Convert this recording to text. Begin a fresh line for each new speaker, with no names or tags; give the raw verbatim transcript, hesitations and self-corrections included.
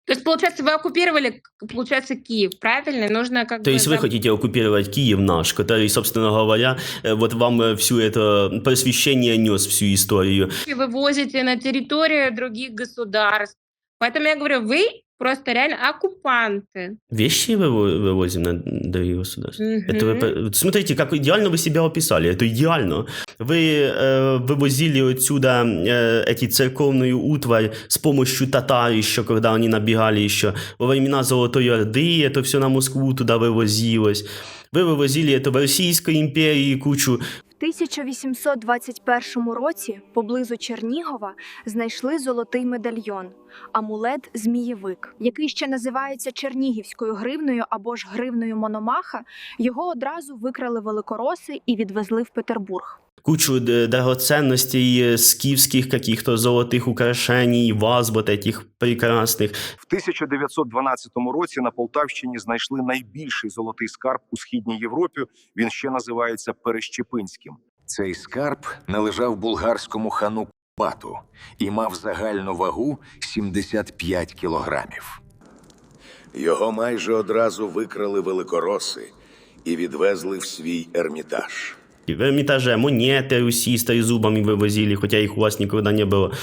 То есть, получается, вы оккупировали, к получается, Киев, правильно? Нужно как
То
бы
есть вы
зам
хотите оккупировать Киев наш, который, собственно говоря, э, вот вам э, всю это просвещение нес, всю историю.
И вывозите на территорию других государств. Поэтому я говорю, вы просто реально оккупанты.
Вещи выво вывозим на другие государства? Это вы
Мгм.
п вот смотрите, как идеально вы себя описали, это идеально. Вы, э, вывозили отсюда, э, эти церковную утварь с помощью татар еще, когда они набегали еще. Во времена Золотой Орды это всё на Москву туда вывозилось. Вы вывозили это в Российской империи кучу.
В тисяча вісімсот двадцять першому році поблизу Чернігова знайшли золотий медальйон – амулет «Змієвик», який ще називається чернігівською гривнею або ж гривнею Мономаха. Його одразу викрали великороси і відвезли в Петербург.
Кучу д драгоценностей, скіфських каких-то золотих украшений, ваз вот этих прекрасних.
В тисяча дев'ятсот дванадцятому році на Полтавщині знайшли найбільший золотий скарб у Східній Європі. Він ще називається Перещепинським.
Цей скарб належав булгарському хану Кубату і мав загальну вагу сімдесят п'ять кілограмів.
Його майже одразу викрали великороси і відвезли в свій Ермітаж.
В Эрмитаже монеты Руси с трезубами вывозили, хотя их у вас никогда не было.